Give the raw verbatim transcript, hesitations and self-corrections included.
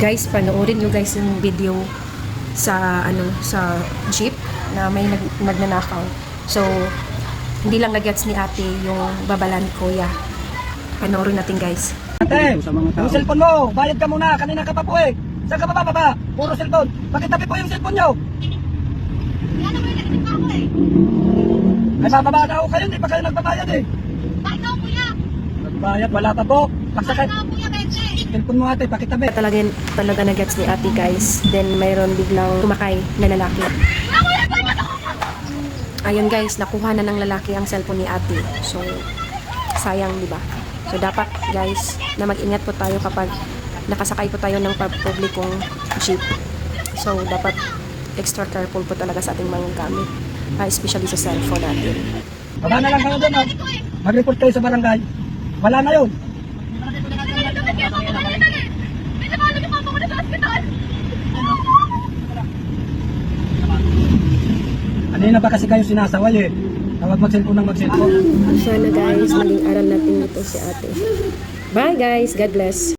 Guys, panoorin nyo guys yung video sa ano sa jeep na may nag, nagnanakaw. So, hindi lang nagets ni ate yung babala ni kuya. Panoorin natin guys. Ate, yung cellphone mo, bayad ka muna. Kanina ka pa po eh. Saan ka pa baba? Puro cellphone. Bakit tabi po yung cellphone nyo? Wala naman yung nagtitin ako eh. Ay, bababa na ako kayo. Hindi pa kayo nagbabayad eh. Bakit ako kuya? Nagbayad, wala pa po. Pagsakay. Bakit ako kuya, Benche? Cellphone mo ate, pakitabi. Talaga, talaga nagets ni ate guys. Then, mayroon biglang tumakay na lalaki. Wala kuya, bayad ako! Ayun guys, nakuha na ng lalaki ang cellphone ni ate. So, sayang, di ba? So, dapat guys, na mag-ingat po tayo kapag nakasakay po tayo ng publikong jeep. So, dapat extra careful po talaga sa ating mga gamit. Uh, especially sa cellphone natin. Baba na lang kayo doon. Oh. Mag-report kayo sa barangay. Wala na yun. Kanina ba kasi kayo sinasaway eh. Tawag mag-cellphone ng mag-cellphone. Sana guys, maging aral natin ito si ate. Bye guys, God bless.